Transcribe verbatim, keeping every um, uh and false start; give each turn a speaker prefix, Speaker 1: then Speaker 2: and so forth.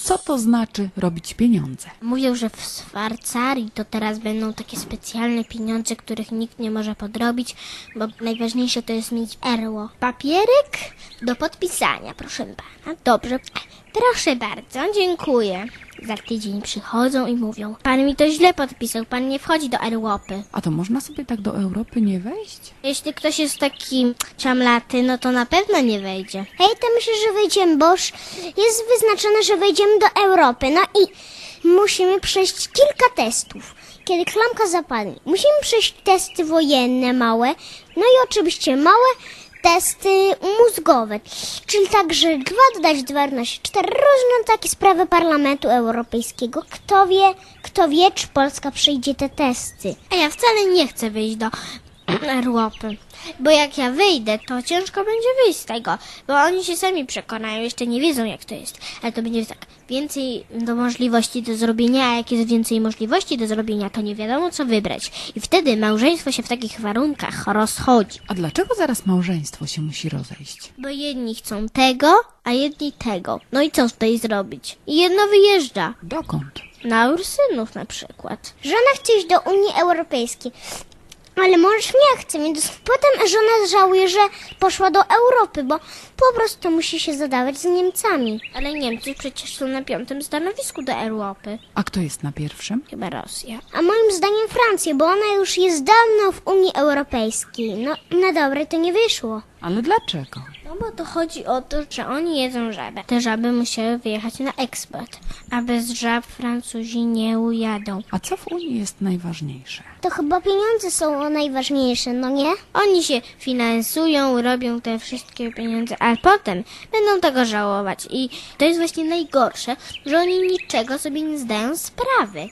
Speaker 1: Co to znaczy robić pieniądze?
Speaker 2: Mówią, że w Szwajcarii to teraz będą takie specjalne pieniądze, których nikt nie może podrobić, bo najważniejsze to jest mieć erło. Papierek do podpisania, proszę pana. Dobrze. Proszę bardzo, dziękuję. Za tydzień przychodzą i mówią: pan mi to źle podpisał, pan nie wchodzi do Europy.
Speaker 1: A to można sobie tak do Europy nie wejść?
Speaker 2: Jeśli ktoś jest taki czamlaty, no to na pewno nie wejdzie.
Speaker 3: Hej, to myślę, że wejdziemy, bo już jest wyznaczone, że wejdziemy do Europy. No i musimy przejść kilka testów. Kiedy klamka zapadnie, musimy przejść testy wojenne małe, no i oczywiście małe testy mózgowe, czyli tak, że dwa dodać dwa równa się cztery, różne takie sprawy Parlamentu Europejskiego. Kto wie, kto wie, czy Polska przejdzie te testy.
Speaker 2: A ja wcale nie chcę wyjść do Europy, bo jak ja wyjdę, to ciężko będzie wyjść z tego, bo oni się sami przekonają, jeszcze nie wiedzą jak to jest, ale to będzie tak, więcej do możliwości do zrobienia, a jak jest więcej możliwości do zrobienia, to nie wiadomo co wybrać i wtedy małżeństwo się w takich warunkach rozchodzi.
Speaker 1: A dlaczego zaraz małżeństwo się musi rozejść?
Speaker 2: Bo jedni chcą tego, a jedni tego. No i co tutaj zrobić? I jedno wyjeżdża.
Speaker 1: Dokąd?
Speaker 2: Na Ursynów na przykład.
Speaker 3: Żona chce iść do Unii Europejskiej, ale mąż nie chce, więc potem żona żałuje, że poszła do Europy, bo po prostu musi się zadawać z Niemcami.
Speaker 2: Ale Niemcy przecież są na piątym stanowisku do Europy.
Speaker 1: A kto jest na pierwszym?
Speaker 2: Chyba Rosja.
Speaker 3: A moim zdaniem Francja, bo ona już jest dawno w Unii Europejskiej. No, na dobre to nie wyszło.
Speaker 1: Ale dlaczego?
Speaker 2: No bo to chodzi o to, że oni jedzą żabę. Te żaby musiały wyjechać na eksport, a bez żab Francuzi nie ujadą.
Speaker 1: A co w Unii jest najważniejsze?
Speaker 3: To chyba pieniądze są najważniejsze, no nie?
Speaker 2: Oni się finansują, robią te wszystkie pieniądze, a potem będą tego żałować. I to jest właśnie najgorsze, że oni niczego sobie nie zdają sprawy.